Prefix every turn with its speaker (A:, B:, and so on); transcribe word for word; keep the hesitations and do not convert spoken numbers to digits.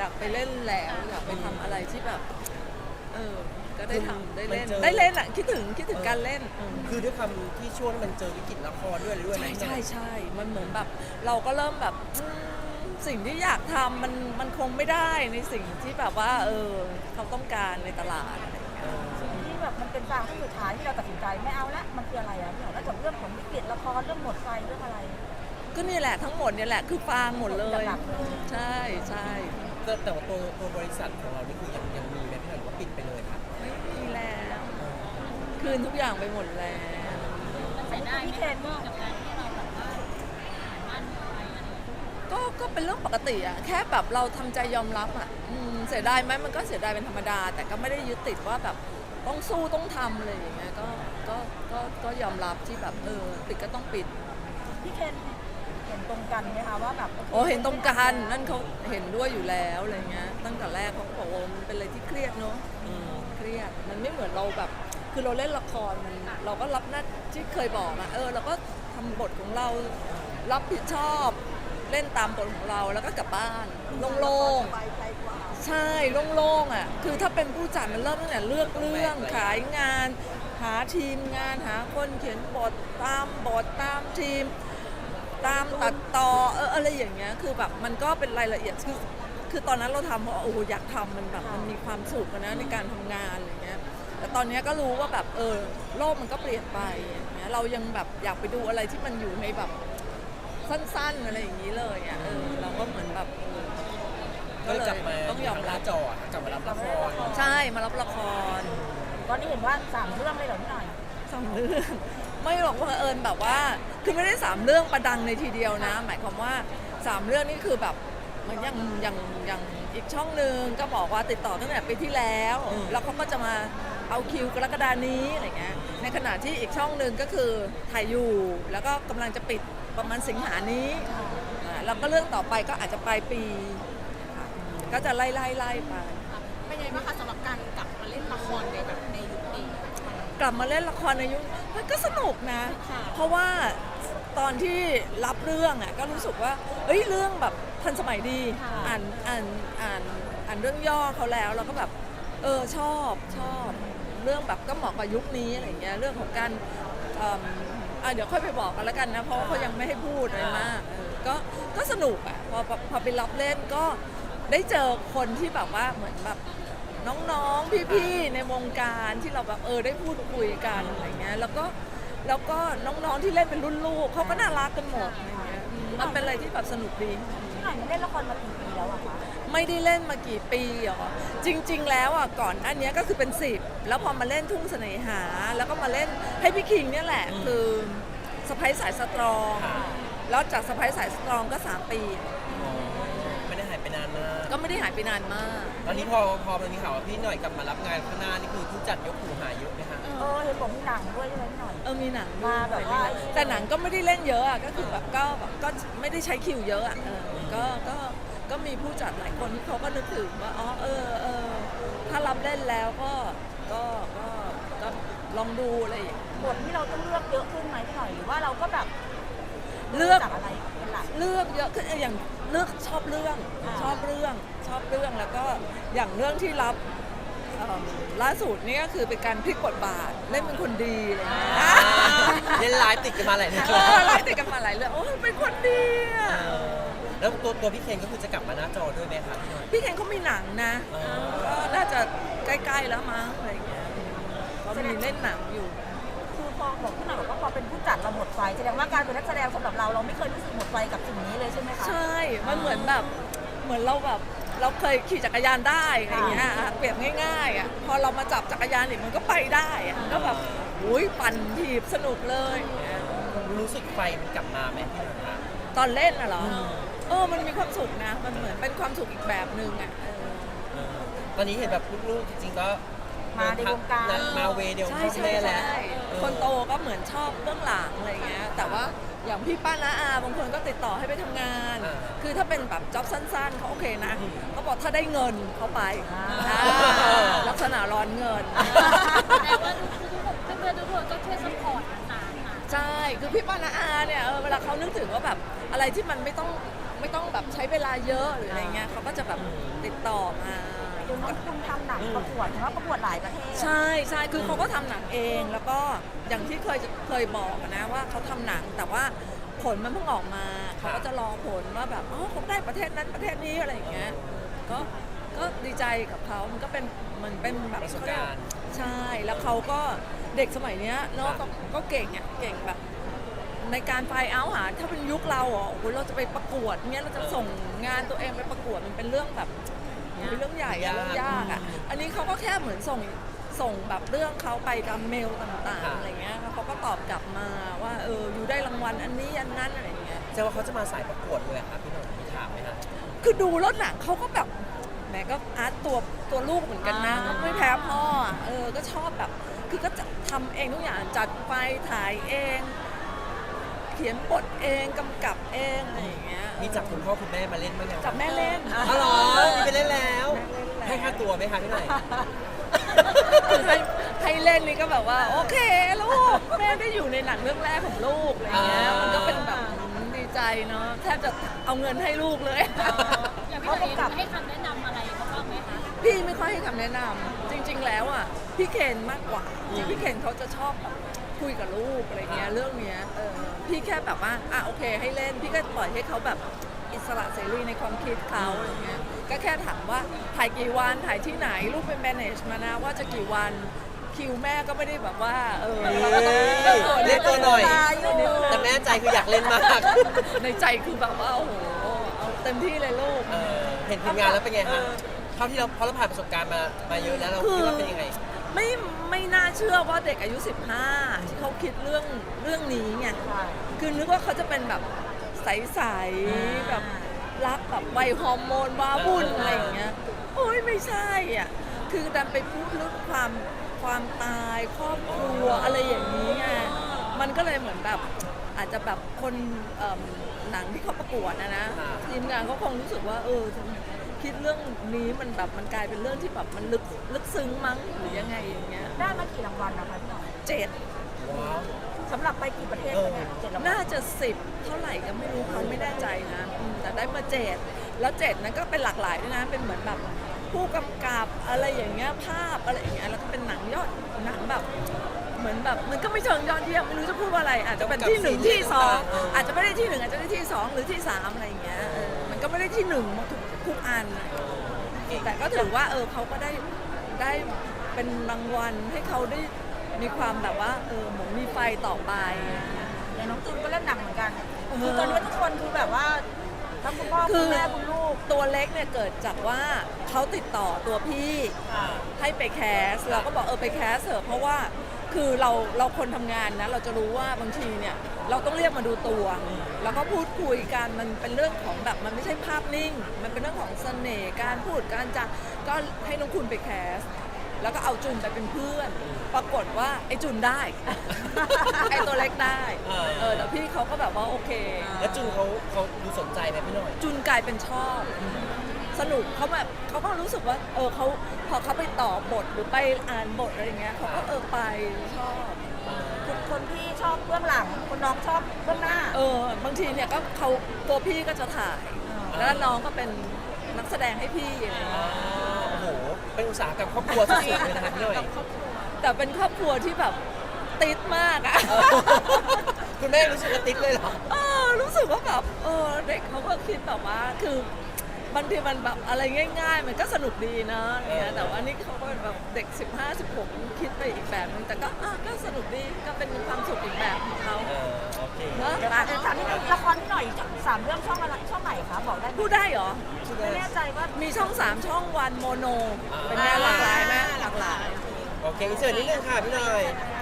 A: อยากไปเล่นแล้วอยากไปทำอะไรที่แบบเออก็ได้ทำได้เล่น
B: มันเจอ
A: ได้เล่นอ่ะคิดถึงคิดถึงการเล่นเออ
B: คือด้วยความที่ช่วงนั้นมันเจอวิกฤตละครด้วยอะไรด้วย
A: ใช่
B: นะ
A: ใช่ใช่มันเหมือนแบบเราก็เริ่มแบบอืมสิ่งที่อยากทำมันมันคงไม่ได้ในสิ่งที่แบบว่าเออเขาต้องการในตลาดอะไรอย่างเงี้ย
C: ที่แบบมันเป็นฟางที่สุดท้ายที่เราตัดสินใจไม่เอาละมันคืออะไรอ่ะพี่หน่อยนอกจากเรื่องของวิกฤตละครเรื่องหมดไฟเรื่องอะไร
A: ก็นี่แหละทั้งหมดเนี่ยแหละคือฟางหมดเลย
C: หลักๆเลย
A: ใช่ใช่
B: แต่แต่ว่าตัวตัวบริษัทของเรานี่คือยังยังมีไหมพี่หน่อยหรือว่าปิดไปเลยครับ
A: ไม่มีแล้ว คืนทุกอย่างไปหมดแล้ว
D: มันเสียดายไหมคะพี่กับการที่เราแบบว่าหาบ้านเมืองอะไรอะไร
A: ก็ก็เป็นเรื่องปกติอะแค่แบบเราทำใจยอมรับอะอืมเสียดายไหมมันก็เสียดายเป็นธรรมดา แต่ก็ไม่ได้ยึดติดว่าแบบต้องสู้ต้องทำอะไรอย่างเงี้ยก็ก็ก็ก็ยอมรับที่แบบเออปิดก็ต้องปิด
C: พี่เคนเห็นตรงกันไหมคะว่าแบบ
A: โอ้เห็นตรงกันนั่นเขาเห็นด้วยอยู่แล้วอะไรเงี้ยตั้งแต่แรกเขาก็บอกว่ามันเป็นอะไรที่เครียดเนอะเครียดมันไม่เหมือนเราแบบคือเราเล่นละครมันเราก็รับหน้าที่เคยบอกอะเออเราก็ทำบทของเรารับผิดชอบเล่นตามบทของเราแล้วก็กลับบ้านโล่งๆใช่โล่งๆอ่ะคือถ้าเป็นผู้จัดมันเริ่มตั้งแต่เลือกเรื่องขายงานหาทีมงานหาคนเขียนบทตามบทตามทีม ตามตัดต่อเอออะไรอย่างเงี้ยคือแบบมันก็เป็นรายละเอียดคือคือตอนนั้นเราทำเพราะโอ้โหอยากทำมันแบบมันมีความสุขอะนะในการทำงานอะไรเงี้ยแต่ตอนนี้ก็รู้ว่าแบบเออโลกมันก็เปลี่ยนไปอย่างเงี้ยเรายังแบบอยากไปดูอะไรที่มันอยู่ในแบบสั้นๆอะไรอย่างนี้เลยอ่ะเออเราก็เหมือนแบบเออ
B: ก็เลยกลับมา
A: ต้องยอม
B: ห
A: รั
B: น้า
A: บ
B: จออะกลับมารับละคร
A: ใช่มารับละคร
C: ตอนนี้เห็นว่าสามเรื่องเลยเหรอพี่หน่อย
A: สองเรื่องไม่หรอกว่าเอิญแบบว่าคือไม่ได้สามเรื่องประดังในทีเดียวนะ หมายความว่าสามเรื่องนี่คือแบบเหมือนอย่างอย่างอย่างอีกช่องหนึ่งก็บอกว่าติดต่อตั้งแต่ปีที่แล้ว แล้วเขาก็จะมาเอาคิวกรกฎานี้อะไรเงี้ยในขณะที่อีกช่องหนึ่งก็คือถ่ายอยู่ แล้วก็กำลังจะปิดประมาณสิงหานี้อ่าแล้วก็เรื่องต่อไปก็อาจจะปลายปีค่ะก็จะไล่ไล่ไล่ไป
D: เป็นไงบ้างคะสำหรับการกลับมาเล่นละครในแบบในยุคนี้
A: กลับมาเล่นละครในยุคมันก็สนุกนะ
D: ค่ะ
A: เพราะว่าตอนที่รับเรื่องอ่ะก็รู้สึกว่าเอ้ยเรื่องแบบทันสมัยดี อ่านอ่านอ่านอ่านเรื่องย่อเขาแล้วเราก็แบบเออชอบชอบเรื่องแบบก็เหมาะกับยุคนี้อะไรเงี้ยเรื่องของการเอิ่มอ่ะเดี๋ยวค่อยไปบอกกันแล้วกันนะเพราะว่าเขายังไม่ให้พูดอะไรมากเออก็ก็สนุกอ่ะพอพอพอไปรับเล่นก็ได้เจอคนที่แบบว่าเหมือนแบบน้องๆพี่ๆในวงการที่เราแบบเออได้พูดคุยกันอะไรเงี้ยแล้วก็แล้วก็น้องๆที่เล่นเป็นรุ่นลูกเขาก็น่ารักกันหมดอะไรเงี้ยอืมมันเป็นอะไรที่แบบสนุกดี
C: พี่หน่อยเล่นละครมากี่ปีแล้วอะคะ
A: ไม่ได้เล่นมากี่ปีหรอจริง ๆ แล้วอ่ะก่อนอันเนี้ยก็คือเป็นสิบแล้วพอมาเล่นทุ่งเสน่หา แล้วก็มาเล่นให้พี่คิงเนี่ยแหละคือสไปซ์สายสตรองแล้วจากสไปซ์สายสตรองก็สามปี
B: ไม่ได้หายไปนานมาก
A: ก็ไม่ได้หายไปนานมาก
B: ตอนนี้พอพอมันมีข่าวว่าพี่หน่อยกลับมารับงานข้างหน้านี่คือผู้จัดยกหูหาเยอะไหมคะ
C: เออเห็นบอกมีหนังด้วยใช่ไหมพี่หน่อย
A: เออมีหนัง
C: มาแบบว่า
A: แต่หนังก็ไม่ได้เล่นเยอะอ่ะก็คือแบบก็แบบก็ไม่ได้ใช้คิวเยอะอ่ะเออก็ก็ก็มีผู้จัดหลายคนที่เขาก็นึกถึงว่าอ๋อเออเออถ้ารับเล่นแล้วก็ก็ก็ก็ลองดูอะไรอย่างเงี้ย
C: บทที่เราต้องเลือกเยอะขึ้นไหมพี่หน่อยหรือว่าเราก็แบบ
A: เลือก
C: จากอะไรเป็นหลัก
A: เลือกเยอะขึ้นอย่างเลือกชอบเรื่อง
C: อ่า
A: ชอบเรื่องชอบเรื่องแล้วก็อย่างเรื่องที่รับเอิ่มล่าสุดนี่ก็คือเป็นการพลิกบทบาทเล่นเป็นคนดีอะไรอย่างเงี้ย
B: เล่นไลฟ์ติดกันมาหลายเดือน
A: เออไล่ติดกันมาหลายเรื่องโอ้ยเป็นคนดีอะ
B: แล้วตัวตัวพี่เคนก็คือจะกลับมาหน้าจอด้วยไหมคะพี่หน่อย
A: พี่เคนเขามีหนังนะ
B: อ๋อ
A: ก็น่าจะใกล้ๆแล้วมั้งอะไรอย่างเงี้ยเขามีเล่นหนังอยู่
C: คือพอบอกพี่หน่อยบอกว่าพอเป็นผู้จัดเราหมดไฟแสดงว่าการเป็นนักแสดงสำหรับเราเราไม่เคยรู้สึกหมดไฟกับสิ่งนี้เลยใช่ไหมคะ
A: ใช่ มันเหมือนแบบเหมือนเราแบบเราเคยขี่จักรยานได้อะไรอย่างเงี้ยอ่ะเปรียบง่ายๆอ่ะพอเรามาจับจักรยานอีกมันก็ไปได้อ่ะก็แบบอุ้ยปั่นถีบสนุกเลยอย่างเงี้ย
B: รู้สึกไฟมันกลับมาไหมพี่หน่อยคะ
A: ตอนเล่นน่ะเหรอเออมันมีความสุขนะ มันเหมือนเป็นความสุขอีกแบบนึงอ่ะเออ
B: เออตอนนี้เห็นแบบลูกๆจริงๆก็
C: มาในวงการ
B: มาเวเดียว
A: ใช่
B: พ่อ
A: ใช่
B: แม่แล้ว
A: ใช่คนโตก็เหมือนชอบเบื้องหลังอะไรเงี้ยแต่ว่าอย่างพี่ป้าน้าอาบางคนก็ติดต่อให้ไปทำงาน คือถ้าเป็นแบบจ็อบสั้นๆเขาโอเคนะเขาบอกถ้าได้เงินเขาไปอ่าลักษณะร้อนเงิน
D: แต่ว่าทุกๆเพื่อนๆทุกคนก็ช่วยซัพพอร์ตต่างๆค่ะ
A: ใช่ คือพี่ป้าน้าอาเนี่ยเออเวลาเขานึกถึงว่าแบบอะไรที่มันไม่ต้องไม่ต้องแบบใช้เวลาเยอะหรืออะไรเงี้ยเขาก็จะแบบติดต่อมา
C: เดี๋ยวน้องคุณทำหนังประกวดเห็นว่าประกวดหลายประเทศ
A: ใช่ใช่คือเขาก็ทำหนังเองแล้วก็อย่างที่เคยเคยบอกอะนะว่าเขาทำหนังแต่ว่าผลมันเพิ่งออกมาเขาก็จะรอผลว่าแบบอ๋อเขาได้ประเทศนั้นประเทศนี้อะไรอย่างเงี้ยก็ก็ดีใจกับเขามันก็เป็นมันเป็นแบบ
B: ประสบการณ์
A: ใช่แล้วเขาก็เด็กสมัยเนี้ยเนาะก็ก็เก่งอ่ะเก่งแบบ ในการไฟเอาหาถ้าเป็นยุคเราอ่ะโอ้โหเราจะไปประกวดเงี้ยเราจะส่งงานตัวเองไปประกวดมันเป็นเรื่องแบบเป็นเรื่องใหญ่อะเรื่องยากอะอันนี้เขาก็แค่เหมือนส่งส่งแบบเรื่องเขาไปกับเมลต่างๆอะไรเงี้ยแล้วเขาก็ตอบกลับมาว่าเอออยู่ได้รางวัลอันนี้อันนั้นอะไรเงี้ย
B: แสดงว่าเขาจะมาสายประกวดเลยอะครับพี่หน่อยมีถามไหมคะ
A: คือดูรถหนังเขาก็แบบแหมก็อาร์ตตัวตัวลูกเหมือนกันนะก็ไม่แพ้พ่ออะเออก็ชอบแบบคือก็จะทำเองทุกอย่างจัดไฟถ่ายเอง เขียนบทเองกำกับเองอะไรอย่างเงี้ย
B: มีจับคุณพ่อคุณแม่มาเล่นบ้างยัง
A: จับแม่เล่น
B: อ๋อเหรอมีไปเล่นแล้ว ให้ค่าตัวไหมคะพี่หน่อย
A: คือให้ให้เล่นนี่ก็แบบว่าโอเคลูกแม่ได้อยู่ในหนังเรื่องแรกของลูกอะไรเงี้ย
B: อ่ามั
A: มันก็เป็นแบบดีใจเนาะแทบจะเอาเงินให้ลูกเลย
D: อย่างพี่หน่อยให้คำแนะนำอะไรเขาบ้างไหมคะ
A: พี่ไม่ค่อยให้คำแนะนำจริง ๆ แล้วอ่ะพี่เคนมากกว่าจริงๆพี่เคนเขาจะชอบแบบคุยกับลูกอะไรเงี้ยเรื่องเนี้ยเออพี่แค่แบบว่าอ่ะโอเคให้เล่นพี่ก็ปล่อยให้เขาแบบอิสระเสรีในความคิดเขาอะไรเงี้ยก็แค่ถามว่าถ่ายกี่วันถ่ายที่ไหนลูกเป็น manage มานะว่าจะกี่วันคิวแม่ก็ไม่ได้แบบว่าเออเราก็ต้อง
B: เล่นตัวหน่อย
A: นิดนึง
B: แต่แม่ใจคืออยากเล่นมาก
A: ในใจคือแบบว่าโอ้โหเอาเต็มที่เลยลูก
B: เออเห็นทีมงานแล้วเป็นไงคะเท่าที่เราเพราะเราผ่านประสบการณ์มามาเยอะแล้วเราคิดว่าเป็นยังไง
A: ไม่ไม่น่าเชื่อว่าเด็กอายุ สิบห้า ที่เขาคิดเรื่องเรื่องนี้ไง
C: ใช่
A: คือนึกว่าเขาจะเป็นแบบใสๆแบบรักแบบวัยฮอร์โมนว้าวุ่นอะไรอย่างเงี้ยโอ้ยไม่ใช่อ่ะคือดันไปพูดเรื่องความความตายครอบครัวอะไรอย่างนี้ไงมันก็เลยเหมือนแบบอาจจะแบบคนเอิ่มหนังที่เขาประกวดนะนะทีมงานเขาคงรู้สึกว่าเออคิดเรื่องนี้มันแบบมันกลายเป็นเรื่องที่แบบมันลึกลึกซึ้งมั้งหรือยังไงอย่างเงี้ย
C: ได้มากี่รางวัลนะคะพี่หน่อย
A: เจ็ด
B: ว้าว
C: สำหรับไปกี่ประเทศคะเนี่ยเจ็ดรางวัล
A: น่าจะสิบเท่าไหร่ก็ไม่รู้เขาไม่แน่ใจนะอืมแต่ได้มาเจ็ดแล้วเจ็ดนั้นก็เป็นหลากหลายด้วยนะเป็นเหมือนแบบผู้กำกับอะไรอย่างเงี้ยภาพอะไรอย่างเงี้ยแล้วก็เป็นหนังยอดหนังแบบเหมือนแบบมันก็ไม่เชิงยอดเยี่ยมไม่รู้จะพูดว่าอะไร อาจจะเป็นที่หนึ่งที่สองอาจจะไม่ได้ที่หนึ่งอาจจะได้ที่สองหรือที่สามอะไรอย่างเงี้ยเออมันก็ไม่ได้ที่หนึ่งหมดทุกทุกอันนะแต่ก็ถือว่าเออเขาก็ได้ได้เป็นรางวัลให้เขาได้มีความแบบว่าเออเหมือนมีไฟต่อไป
C: อย่างน้องจูนก็เล่นหนังเหมือนกัน
A: เออ
C: คือตอนนี้ทุกคนคือแบบว่าทั้งคุณพ่อ
A: คื
C: คุณ
A: อ
C: แม่คุณลูก
A: ตัวเล็กเนี่ยเกิดจากว่าเขาติดต่อตัวพี่ให้ไปแคสเราก็บอกเออไปแคสเถอะเพราะว่าคือเราเราคนทำงานนะเราจะรู้ว่าบางทีเนี่ยเราต้องเรียกมาดูตัว แล้วก็พูดคุยกันมันเป็นเรื่องของแบบมันไม่ใช่ภาพนิ่ง มันเป็นเรื่องของเสน่ห์การพูดการจะก็ให้น้องคุณไปแคส แล้วก็เอาจุนไปเป็นเพื่อน ปรากฏว่าไอ้จุนได้ ไอ้ตัวเล็กได้
B: เออ
A: เออแต่พี่เขาก็แบบว่าโอเค
B: แล้วจุนเขาเขาดูสนใจไหมพี่หน่อย
A: จุนกลายเป็นชอบ สนุกเขาแบบเขาก็รู้สึกว่าเออเขาพอเขาไปต่อบทหรือไปอ่านบทอะไรเงี้ยเขาก็เออไปชอบ
C: คนคนพี่ชอบเบื้องหลังคนน้องชอบเบื้องหน้า
A: เออบางทีเนี่ยก็เขาตัวพี่ก็จะถ่าย แล้วน้องก็เป็นนักแสดงให้พี่อะไรเงี้ย
B: โอ้โห เป็นอุตสาหกรรมครอบครัวสุดๆเลยนะคะพี่หน่อย
A: แต่เป็นครอบครัวที่แบบติดมากอะ
B: คุณแม่รู้สึกว่าติ๊กเลยเหรอ
A: เออรู้สึกว่าแบบเออเด็กเขาก็คิดแบบว่าคือบางทีมันแบบอะไรง่าย ๆ มันก็สนุกดีนะอะไรเงี้ยแต่ว่านี่เขาก็เป็นแบบเด็ก สิบห้า สิบหก คิดไปอีกแบบนึงแต่ก็อ่ะก็สนุกดีก็เป็นความสุขอีกแบบของเขา
B: เออ โอเค
A: เนอะ
C: เดี๋ยวถามนิดนึงละครพี่หน่อยสามเรื่องช่องอะไรช่องไหนคะบอกได้ไหม
A: พูดได้เหรอ
C: ไม่แน่ใจว่า
A: มีช่องสามช่องวันโมโน
B: อ่า
A: เป็นไงหลากหลายไหมหลากหลาย
B: โอเคอินเสิร์ตนิดนึงค่ะพี่หน่อย
C: ค